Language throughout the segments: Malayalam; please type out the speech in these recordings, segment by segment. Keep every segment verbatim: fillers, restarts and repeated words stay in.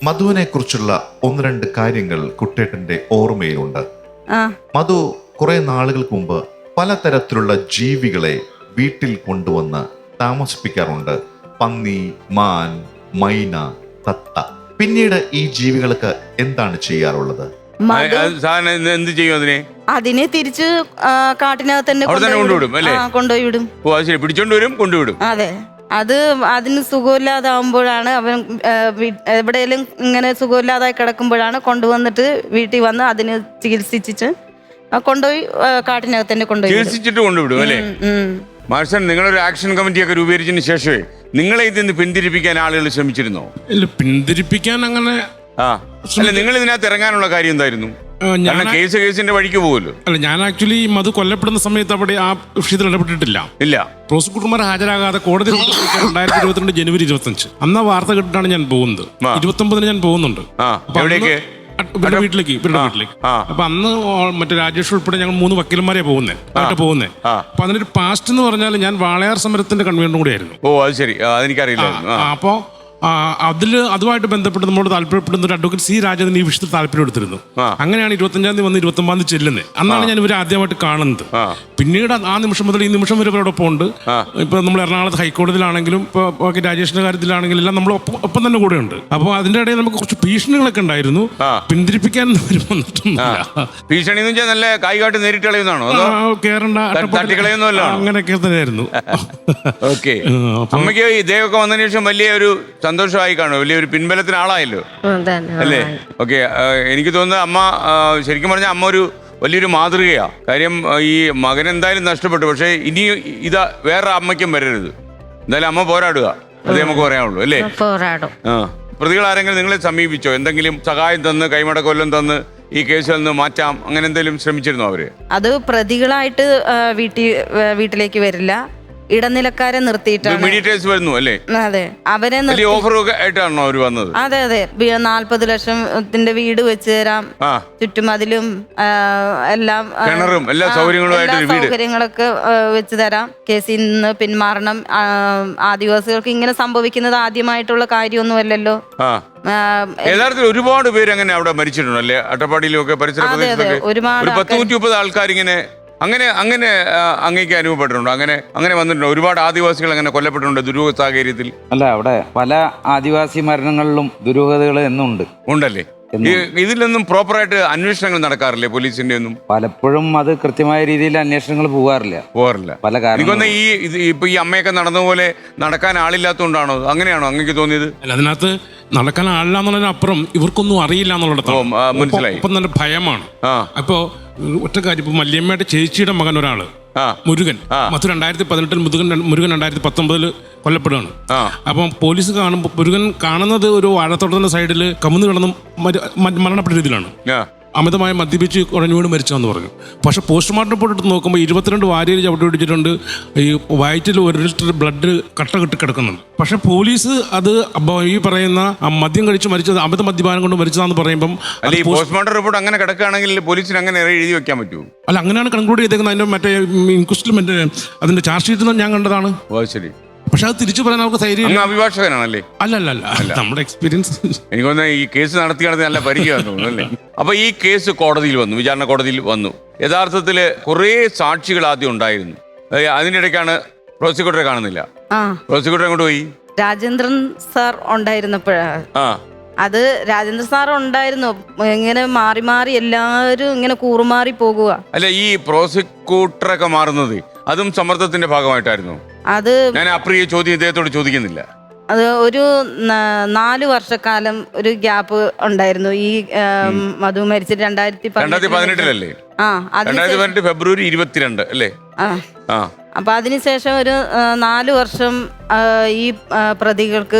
മധുവിനെ കുറിച്ചുള്ള ഒന്ന് രണ്ട് കാര്യങ്ങൾ കുട്ടേട്ടന്റെ ഓർമ്മയിലുണ്ട്. മധു കുറെ നാളുകൾക്ക് മുമ്പ് പലതരത്തിലുള്ള ജീവികളെ വീട്ടിൽ കൊണ്ടുവന്ന് താമസിപ്പിക്കാറുണ്ട്. പന്നി, മാൻ, മൈന, തത്ത. പിന്നീട് ഈ ജീവികൾക്ക് എന്താണ് ചെയ്യാറുള്ളത്? എന്ത് ചെയ്യും അതിനെ? അതിനെ തിരിച്ച് കാട്ടിനകത്ത് തന്നെ കൊണ്ടുപോയി വിടും. പിടിച്ചോണ്ട് വരും, കൊണ്ടുവിടും. അതെ, അത് അതിന് സുഖമില്ലാതാവുമ്പോഴാണ് അവൻ എവിടെയെങ്കിലും ഇങ്ങനെ സുഖമില്ലാതായി കിടക്കുമ്പോഴാണ് കൊണ്ടുവന്നിട്ട് വീട്ടിൽ വന്ന് അതിന് ചികിത്സിച്ചിട്ട് കൊണ്ടുപോയി കാട്ടിനകത്ത് തന്നെ കൊണ്ടുപോയി ചികിത്സിച്ചിട്ട് കൊണ്ടുവിടും അല്ലേ? മാർഷൻ, നിങ്ങളൊരു ആക്ഷൻ കമ്മിറ്റി ഒക്കെ രൂപീകരിച്ചതിന് ശേഷമേ നിങ്ങളെ ഇതിന്ന് പിന്തിരിപ്പിക്കാൻ ആളുകൾ ശ്രമിച്ചിരുന്നോ? ഇല്ല, പിന്തിരിപ്പിക്കാൻ അങ്ങനെ ആ അല്ല, നിങ്ങൾ ഇതിനകത്ത് ഇറങ്ങാനുള്ള കാര്യം എന്തായിരുന്നു? കേസ് കേസിന്റെ വഴിക്ക് പോകുമല്ലോ. അല്ല, ഞാൻ ആക്ച്വലി മധു കൊല്ലപ്പെടുന്ന സമയത്ത് അവിടെ ആ വിഷയത്തിൽ ഇടപെട്ടിട്ടില്ല. ഇല്ല, പ്രോസിക്യൂട്ടർമാർ ഹാജരാകാതെ കോടതി രണ്ടായിരത്തി ഇരുപത്തിരണ്ട് ജനുവരി ഇരുപത്തഞ്ച് അന്ന് വാർത്ത കേട്ടിട്ടാണ് ഞാൻ പോകുന്നത്. ഇരുപത്തി ഒമ്പതിന് ഞാൻ പോകുന്നുണ്ട് ഇവരുടെ വീട്ടിലേക്ക് ഇവരുടെ വീട്ടിലേക്ക് അപ്പൊ അന്ന് മറ്റേ രാജേഷ് ഉൾപ്പെടെ ഞങ്ങൾ മൂന്ന് വക്കീലന്മാരെ പോകുന്നത് ആയിട്ട് പോകുന്നത്. അപ്പൊ അതിനൊരു പാസ്റ്റ് എന്ന് പറഞ്ഞാൽ ഞാൻ വാളയാർ സമരത്തിന്റെ കൺവീനറും കൂടെ ആയിരുന്നു. ഓ, അത് ശരി, അതെനിക്കറിയില്ല. അപ്പോ അതിൽ അതുമായിട്ട് ബന്ധപ്പെട്ട് നമ്മളോട് താല്പര്യപ്പെടുന്ന ഒരു അഡ്വക്കേറ്റ് സി രാജേന്ദ്രൻ ഈ വിഷയത്തിൽ താല്പര്യം എടുത്തിരുന്നു. അങ്ങനെയാണ് ഇരുപത്തഞ്ചാം തീയതി വന്ന് ഇരുപത്തി ഒമ്പതാം തീയതി ചെല്ലുന്നത്. അന്നാണ് ഞാൻ ഇവരെ ആദ്യമായിട്ട് കാണുന്നത്. പിന്നീട് ആ നിമിഷം മുതൽ ഈ നിമിഷം വരെ ഇവരോടൊപ്പം ഉണ്ട്. ഇപ്പൊ നമ്മൾ എറണാകുളത്ത് ഹൈക്കോടതിയിലാണെങ്കിലും ഇപ്പൊ രാജേഷിന്റെ കാര്യത്തിലാണെങ്കിലും എല്ലാം നമ്മൾ ഒപ്പം തന്നെ കൂടെ ഉണ്ട്. അപ്പോൾ അതിന്റെ ഇടയിൽ നമുക്ക് കുറച്ച് ഭീഷണികളൊക്കെ ഉണ്ടായിരുന്നു. പിന്തിരിപ്പിക്കാൻ ഭീഷണി നല്ല കായികാട്ട് നേരിട്ട് കളയുന്നതാണോ? കേറണ്ട അങ്ങനെയൊക്കെ തന്നെയായിരുന്നു. ഓക്കെ, അമ്മയ്ക്ക് ഇദ്ദേഹമൊക്കെ വന്നതിന് ശേഷം വലിയ ഒരു സന്തോഷമായി കാണും, വലിയൊരു പിൻബലത്തിന് ആളായല്ലോ അല്ലേ? ഓക്കെ, എനിക്ക് തോന്നുന്നത് അമ്മ ശരിക്കും പറഞ്ഞാൽ അമ്മ ഒരു വലിയൊരു മാതൃകയാ. കാര്യം ഈ മകൻ എന്തായാലും നഷ്ടപ്പെട്ടു, പക്ഷെ ഇനി ഇതാ വേറെ അമ്മയ്ക്കും വരരുത്. എന്തായാലും അമ്മ പോരാടുക, അതേ നമുക്ക് പറയാനുള്ളൂ അല്ലേ? ആ, പ്രതികൾ ആരെങ്കിലും നിങ്ങളെ സമീപിച്ചോ? എന്തെങ്കിലും സഹായം തന്ന് കൈമടക്കൊല്ലം തന്ന് ഈ കേസിൽ നിന്ന് മാറ്റാം, അങ്ങനെ എന്തെങ്കിലും ശ്രമിച്ചിരുന്നോ അവര്? അത് പ്രതികളായിട്ട് വീട്ടിൽ വീട്ടിലേക്ക് വരില്ല, ഇടനിലക്കാരെ നിർത്തിയിട്ടാണ് മീഡിയേറ്റേഴ്സ് വരുന്നു അല്ലേ? അതെ, അവരെ ആയിട്ടാണോ അവര് വന്നത്? അതെ അതെ, നാല്പത് ലക്ഷത്തിന്റെ വീട് വെച്ച് തരാം, ചുറ്റുമതിലും എല്ലാം എല്ലാ സൗകര്യങ്ങളൊക്കെ വെച്ച് തരാം, കേസിൽ നിന്ന് പിന്മാറണം. ആദിവാസികൾക്ക് ഇങ്ങനെ സംഭവിക്കുന്നത് ആദ്യമായിട്ടുള്ള കാര്യമൊന്നുമല്ലല്ലോ. യഥാർത്ഥത്തിൽ ഒരുപാട് പേര് അങ്ങനെ അവിടെ മരിച്ചിട്ടുണ്ട് അല്ലേ? അട്ടപ്പാടിയിലും ഒക്കെ പരിസര പ്രദേശത്തൊക്കെ ഒരു പത്ത് നൂറ്റി മുപ്പത് ആൾക്കാരിങ്ങനെ അങ്ങനെ അങ്ങനെ അങ്ങേക്ക് അനുഭവപ്പെട്ടിട്ടുണ്ടോ? അങ്ങനെ അങ്ങനെ വന്നിട്ടുണ്ടോ? ഒരുപാട് ആദിവാസികൾ അങ്ങനെ കൊല്ലപ്പെട്ടിട്ടുണ്ട് ദുരൂഹ സാഹചര്യത്തിൽ. അല്ല, അവിടെ പല ആദിവാസി മരണങ്ങളിലും ദുരൂഹതകൾ എന്നുണ്ട്. ഉണ്ടല്ലേ? ഇതിലൊന്നും പ്രോപ്പറായിട്ട് അന്വേഷണങ്ങൾ നടക്കാറില്ലേ പോലീസിന്റെ ഒന്നും? പലപ്പോഴും അത് കൃത്യമായ രീതിയിൽ അന്വേഷണങ്ങൾ പോകാറില്ല പോകാറില്ല പല കാരണം. ഈ ഇപ്പൊ ഈ അമ്മയൊക്കെ നടന്നപോലെ നടക്കാൻ ആളില്ലാത്തതുകൊണ്ടാണോ? അങ്ങനെയാണോ അങ്ങേക്ക് തോന്നിയത്? അല്ല, അതിനകത്ത് നടക്കാൻ ആളില്ല എന്നുള്ളതിനപ്പുറം ഇവർക്കൊന്നും അറിയില്ല എന്നുള്ളിടത്താണ്. മനസ്സിലായി. ഇപ്പം നല്ല ഭയമാണ്. അപ്പോ ഒറ്റ കാര്യം, ഇപ്പൊ മല്യമ്മയുടെ ചേച്ചിയുടെ മകൻ ഒരാള് മുരുകൻ മധു രണ്ടായിരത്തി പതിനെട്ടിൽ മുരുകൻ മുരുകൻ രണ്ടായിരത്തി പത്തൊമ്പതില് കൊല്ലപ്പെടുകയാണ്. അപ്പം പോലീസ് കാണുമ്പോൾ മുരുകൻ കാണുന്നത് ഒരു വാഴത്തോട്ടത്തിന്റെ സൈഡില് കമുന്ന് കിടന്ന് മരണപ്പെട്ട രീതിയിലാണ്. അമിതമായി മദ്യപിച്ച് കുഴഞ്ഞു വീണ് മരിച്ചതെന്ന് പറഞ്ഞു. പക്ഷെ പോസ്റ്റ്മോർട്ടം റിപ്പോർട്ട് എടുത്ത് നോക്കുമ്പോൾ ഇരുപത്തിരണ്ട് വാരിയിൽ ചവിട്ടി പിടിച്ചിട്ടുണ്ട്. ഈ വയറ്റിൽ ഒരു ലിറ്റർ ബ്ലഡ് കട്ട കെട്ടി കിടക്കുന്നുണ്ട്. പക്ഷെ പോലീസ് അത് ഈ പറയുന്ന മദ്യം കഴിച്ച് മരിച്ചത് അമിത മദ്യപാനം കൊണ്ട് മരിച്ചതാന്ന് പറയുമ്പോൾ പോസ്റ്റ്മോർട്ടം റിപ്പോർട്ട് അങ്ങനെ കിടക്കുകയാണെങ്കിൽ പോലീസിന് അങ്ങനെ എഴുതി വെക്കാൻ പറ്റുമോ? അല്ല, അങ്ങനെയാണ് കൺക്ലൂഡ് ചെയ്തേക്കുന്നത്. അതിന്റെ മറ്റേ ഇൻക്വസ്റ്റിൽ മറ്റേ അതിന്റെ ചാർജ് ഷീറ്റ് ഞാൻ കണ്ടതാണ്. ശരി. പക്ഷെ അത് തിരിച്ചു പറയാൻ നമുക്ക് ധൈര്യം. അഭിഭാഷകനാണല്ലേ? അല്ല അല്ല അല്ല നമ്മുടെ എക്സ്പീരിയൻസ്. എനിക്ക് തോന്നുന്നത് ഈ കേസ് നടത്തി നടത്തി നല്ല പരിചയമാണെന്ന് തോന്നുന്നു അല്ലേ? അപ്പൊ ഈ കേസ് കോടതിയിൽ വന്നു, വിചാരണ കോടതിയിൽ വന്നു. യഥാർത്ഥത്തില് കുറെ സാക്ഷികൾ ആദ്യം ഉണ്ടായിരുന്നു. അതിന്റെ ഇടയ്ക്കാണ് പ്രോസിക്യൂട്ടറെ കാണുന്നില്ല. പ്രോസിക്യൂട്ടർ എങ്ങോട്ട് പോയി? രാജേന്ദ്രൻ സാർ ഉണ്ടായിരുന്നപ്പോഴാണ്. അത് രാജേന്ദ്ര സാർ ഉണ്ടായിരുന്നു. ഇങ്ങനെ മാറി മാറി എല്ലാവരും ഇങ്ങനെ കൂറുമാറി പോകുക. അല്ല, ഈ പ്രോസിക്യൂട്ടറൊക്കെ മാറുന്നത് അതും സമ്മർദ്ദത്തിന്റെ ഭാഗമായിട്ടായിരുന്നു. അത് ഞാൻ അപ്രിയ ചോദ്യം ഇദ്ദേഹത്തോട് ചോദിക്കുന്നില്ല. അത് ഒരു നാല് വർഷക്കാലം ഒരു ഗ്യാപ്പ് ഉണ്ടായിരുന്നു. ഈ മധു മരിച്ചിട്ട് രണ്ടായിരത്തി രണ്ടായിരത്തി പതിനെട്ടിലല്ലേ? ആ, രണ്ടായിരത്തി പതിനെട്ട് ഫെബ്രുവരി ഇരുപത്തിരണ്ട് അല്ലേ? ആ, അപ്പൊ അതിനുശേഷം ഒരു നാല് വർഷം ഈ പ്രതികൾക്ക്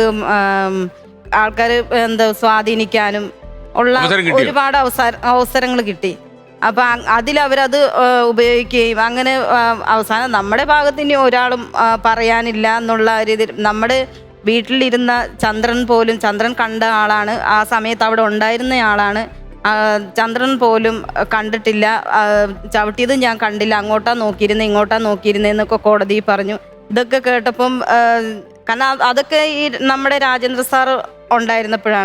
ആൾക്കാർ എന്താ സ്വാധീനിക്കാനും ഉള്ള ഒരുപാട് അവസര അവസരങ്ങൾ കിട്ടി. അപ്പൊ അതിലവരത് ഉപയോഗിക്കുകയും അങ്ങനെ അവസാനം നമ്മുടെ ഭാഗത്ത് ഇനി ഒരാളും പറയാനില്ല എന്നുള്ള രീതിയിൽ നമ്മുടെ വീട്ടിലിരുന്ന ചന്ദ്രൻ പോലും, ചന്ദ്രൻ കണ്ട ആളാണ്, ആ സമയത്ത് അവിടെ ഉണ്ടായിരുന്ന ആളാണ്, ചന്ദ്രൻ പോലും കണ്ടിട്ടില്ല, ചവിട്ടിയത് ഞാൻ കണ്ടില്ല, അങ്ങോട്ടാ നോക്കിയിരുന്നത് ഇങ്ങോട്ടാ നോക്കിയിരുന്നേന്നൊക്കെ കോടതി പറഞ്ഞു. ഇതൊക്കെ കേട്ടപ്പം കാരണം അതൊക്കെ ഈ നമ്മുടെ രാജേന്ദ്ര സാർ ഉണ്ടായിരുന്നപ്പോഴാണ്.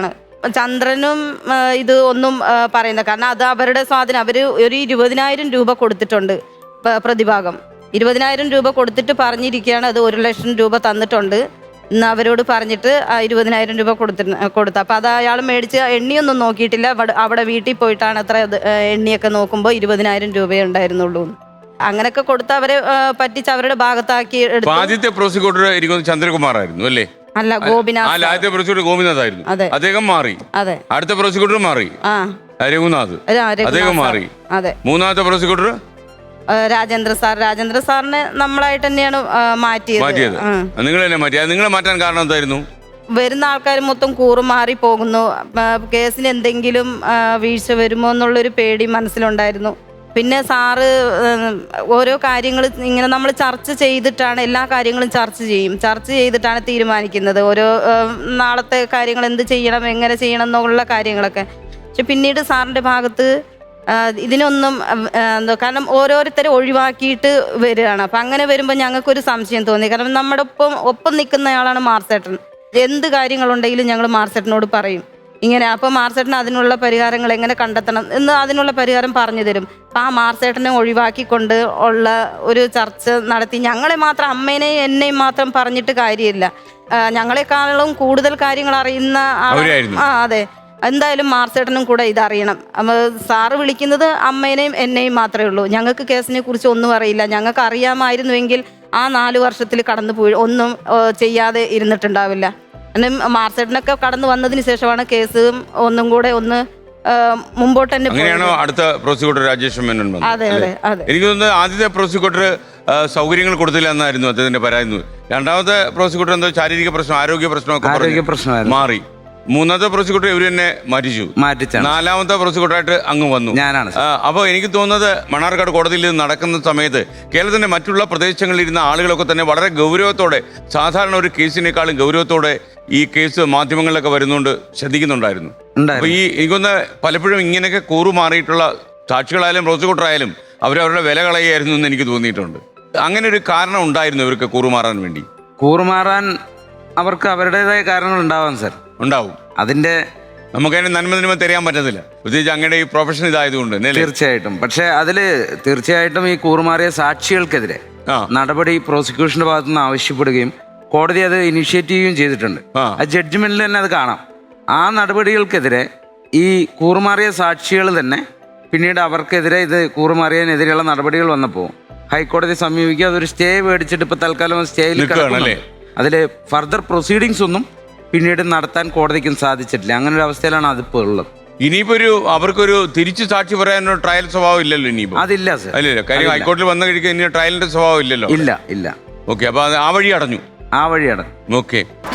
ചന്ദ്രനും ആ, ഇത് ഒന്നും ആ, പറയുന്നത് കാരണം അത് അവരുടെ സ്വാധീനം. അവർ ഒരു ഇരുപതിനായിരം രൂപ കൊടുത്തിട്ടുണ്ട് പ- പ്രതിഭാഗം ഇരുപതിനായിരം രൂപ കൊടുത്തിട്ട് പറഞ്ഞിരിക്കുകയാണ് അത് ഒരു ലക്ഷം രൂപ തന്നിട്ടുണ്ട് എന്ന് അവരോട് പറഞ്ഞിട്ട് ആ ഇരുപതിനായിരം രൂപ കൊടുത്തി കൊടുത്തു. അപ്പോൾ അത് അയാൾ മേടിച്ച് എണ്ണിയൊന്നും നോക്കിയിട്ടില്ല. അവിടെ അവിടെ വീട്ടിൽ പോയിട്ടാണ് അത്ര അത്, ആ, എണ്ണിയൊക്കെ നോക്കുമ്പോൾ ഇരുപതിനായിരം രൂപയേ ഉണ്ടായിരുന്നുള്ളൂ. അങ്ങനെയൊക്കെ കൊടുത്ത് അവരെ ആ, പറ്റിച്ച് അവരുടെ ഭാഗത്താക്കി എടുത്തു. ആദ്യത്തെ പ്രോസിക്യൂട്ടർ എനിക്ക് ചന്ദ്രകുമാർ ആയിരുന്നു അല്ലേ? അല്ല, ഗോപിനാഥ്. അല്ല, ആദ്യത്തെ പ്രോസിക്യൂട്ടർ ഗോപിനാഥ് ആയിരുന്നു. അതെ. അദ്ദേഹം മാറി. അതെ. അടുത്ത പ്രോസിക്യൂട്ടർ മാറി. ആ രഘുനാഥ്. രഘുനാഥ് അദ്ദേഹം മാറി. അതെ. മൂന്നാമത്തെ പ്രോസിക്യൂട്ടർ ആ, രാജേന്ദ്ര സാർ. രാജേന്ദ്ര സാറിനെ നമ്മളായിട്ട് തന്നെയാണ് ആ, മാറ്റിയത്. മാറ്റിയത് ആ. നിങ്ങൾ തന്നെ മാറ്റി. അത് നിങ്ങളെ മാറ്റാൻ കാരണം എന്തായിരുന്നു? വരുന്ന ആൾക്കാർ മൊത്തം കൂറുമാറി പോകുന്നു. ആ, കേസിന് എന്തെങ്കിലും ആ, വീഴ്ച വരുമോ എന്നുള്ളൊരു പേടി മനസ്സിലുണ്ടായിരുന്നു. പിന്നെ സാറ് ഉം, ഓരോ കാര്യങ്ങൾ ഇങ്ങനെ നമ്മൾ ചർച്ച ചെയ്തിട്ടാണ് എല്ലാ കാര്യങ്ങളും ചർച്ച ചെയ്യും. ചർച്ച ചെയ്തിട്ടാണ് തീരുമാനിക്കുന്നത് ഓരോ ഉം, നാളത്തെ കാര്യങ്ങൾ എന്ത് ചെയ്യണം, എങ്ങനെ ചെയ്യണം എന്നുള്ള കാര്യങ്ങളൊക്കെ. പക്ഷെ പിന്നീട് സാറിൻ്റെ ഭാഗത്ത് ആ, ഇതിനൊന്നും ആ, എന്തോ കാരണം ഓരോരുത്തരെ ഒഴിവാക്കിയിട്ട് വരികയാണ്. അപ്പം അങ്ങനെ വരുമ്പോൾ ഞങ്ങൾക്കൊരു സംശയം തോന്നി. കാരണം നമ്മുടെ ഒപ്പം ഒപ്പം നിൽക്കുന്നയാളാണ് മാർസേട്ടൻ. എന്ത് കാര്യങ്ങളുണ്ടെങ്കിലും ഞങ്ങൾ മാർസേട്ടനോട് പറയും ഇങ്ങനെ. അപ്പോൾ മാർസേട്ടൻ അതിനുള്ള പരിഹാരങ്ങൾ എങ്ങനെ കണ്ടെത്തണം എന്ന് അതിനുള്ള പരിഹാരം പറഞ്ഞു തരും. അപ്പം ആ മാർസേട്ടനെ ഒഴിവാക്കിക്കൊണ്ട് ഉള്ള ഒരു ചർച്ച നടത്തി. ഞങ്ങളെ മാത്രം, അമ്മേനെയും എന്നെയും മാത്രം പറഞ്ഞിട്ട് കാര്യമില്ല. ആ, ഞങ്ങളെക്കാളും കൂടുതൽ കാര്യങ്ങൾ അറിയുന്ന അവരായിരുന്നു. ആ അതെ, എന്തായാലും മാർസേട്ടനും കൂടെ ഇതറിയണം. അപ്പോൾ സാറ് വിളിക്കുന്നത് അമ്മേനെയും എന്നെയും മാത്രമേ ഉള്ളൂ. ഞങ്ങൾക്ക് കേസിനെ കുറിച്ച് ഒന്നും അറിയില്ല. ഞങ്ങൾക്ക് അറിയാമായിരുന്നുവെങ്കിൽ ആ നാല് വർഷത്തിൽ കടന്നു പോയി ഒന്നും ഏ, ചെയ്യാതെ ഇരുന്നിട്ടുണ്ടാവില്ല. കാരണം മാർസേട്ടനൊക്കെ കടന്നു വന്നതിന് ശേഷമാണ് കേസ് ഒന്നും കൂടെ ഒന്ന് ഏ, മുമ്പോട്ട് തന്നെ പോയത്. അങ്ങനെയാണോ അടുത്ത പ്രോസിക്യൂട്ടർ രാജേഷ് മേനോൻ വന്നത്? അതെ അതെ അതെ. എനിക്ക് തോന്നുന്നത് ആദ്യത്തെ പ്രോസിക്യൂട്ടർ സൗകര്യങ്ങൾ കൊടുത്തില്ല എന്നായിരുന്നു അദ്ദേഹത്തിന്റെ പരാതി. രണ്ടാമത്തെ പ്രോസിക്യൂട്ടർ എന്തോ ശാരീരിക പ്രശ്നം, ആരോഗ്യ പ്രശ്നമൊക്കെ ആരോഗ്യ പറഞ്ഞ് പ്രശ്നമായിരുന്നു. മാറി. മൂന്നാമത്തെ പ്രോസിക്യൂട്ടർ ഇവർ തന്നെ മാറ്റിച്ചു. മാറ്റിച്ചാണ്. നാലാമത്തെ പ്രോസിക്യൂട്ടറായിട്ട് അങ്ങ് വന്നു. ഞാനാണ് സർ. അപ്പോൾ എനിക്ക് തോന്നുന്നത് മണ്ണാർക്കാട് കോടതിയിൽ ഇത് നടക്കുന്ന സമയത്ത് കേരളത്തിന്റെ മറ്റുള്ള പ്രദേശങ്ങളിൽ ഇരുന്ന ആളുകളൊക്കെ തന്നെ വളരെ ഗൗരവത്തോടെ, സാധാരണ ഒരു കേസിനേക്കാളും ഗൗരവത്തോടെ ഈ കേസ് മാധ്യമങ്ങളിലൊക്കെ വരുന്നുണ്ട് ശ്രദ്ധിക്കുന്നുണ്ടായിരുന്നു. അപ്പൊ ഈ എനിക്കൊന്ന് പലപ്പോഴും ഇങ്ങനെയൊക്കെ കൂറുമാറിയിട്ടുള്ള സാക്ഷികളായാലും പ്രോസിക്യൂട്ടർ ആയാലും അവരവരുടെ വില കളയായിരുന്നു എന്ന് എനിക്ക് തോന്നിയിട്ടുണ്ട്. അങ്ങനെ ഒരു കാരണം ഉണ്ടായിരുന്നു ഇവർക്ക് കൂറുമാറാൻ വേണ്ടി? കൂറുമാറാൻ അവർക്ക് അവരുടേതായ കാരണങ്ങൾ ഉണ്ടാവാം സർ. ഉണ്ടാവും. അതിന്റെ നമുക്കതിന് നന്മ നിന്മ തരാൻ പറ്റത്തില്ല, പ്രത്യേകിച്ച് അങ്ങനെ ഈ പ്രൊഫഷൻ ഇതായതുകൊണ്ട്. തീർച്ചയായിട്ടും. പക്ഷെ അതില് തീർച്ചയായിട്ടും ഈ കൂറുമാറിയ സാക്ഷികൾക്കെതിരെ നടപടി പ്രോസിക്യൂഷന്റെ ഭാഗത്തു നിന്ന് ആവശ്യപ്പെടുകയും കോടതി അത് ഇനിഷ്യേറ്റ് ചെയ്യുകയും ചെയ്തിട്ടുണ്ട്. ആ ജഡ്ജ്മെന്റിൽ തന്നെ അത് കാണാം. ആ നടപടികൾക്കെതിരെ ഈ കൂറുമാറിയ സാക്ഷികൾ തന്നെ പിന്നീട് അവർക്കെതിരെ ഇത് കൂറുമാറിയതിനെതിരെയുള്ള നടപടികൾ വന്നപ്പോൾ ഹൈക്കോടതി സമീപിക്കുക, അതൊരു സ്റ്റേ മേടിച്ചിട്ട് ഇപ്പൊ തൽക്കാലം സ്റ്റേയിൽ കിടക്കുകയാണ്. അതിൽ ഫർദർ പ്രൊസീഡിങ്സ് ഒന്നും പിന്നീട് നടത്താൻ കോടതിക്കും സാധിച്ചിട്ടില്ല. അങ്ങനെ ഒരു അവസ്ഥയിലാണ് അതിപ്പോ ഉള്ളത്. ഇനിയിപ്പോ ഒരു അവർക്കൊരു തിരിച്ചു സാക്ഷി പറയാനോ ട്രയൽ സ്വഭാവം ഇല്ലല്ലോ ഇനിയിപ്പോ? അതില്ല സർ. അല്ലല്ലോ, കാര്യം ഹൈക്കോടതിയിൽ വന്ന കഴിക്കാൻ ഇനി ട്രയലിന്റെ സ്വഭാവം ഇല്ലല്ലോ. ഇല്ല ഇല്ല. ഓക്കെ, അപ്പൊ അത് ആ വഴി അടഞ്ഞു. ആ വഴിയാണ്. ഓക്കെ.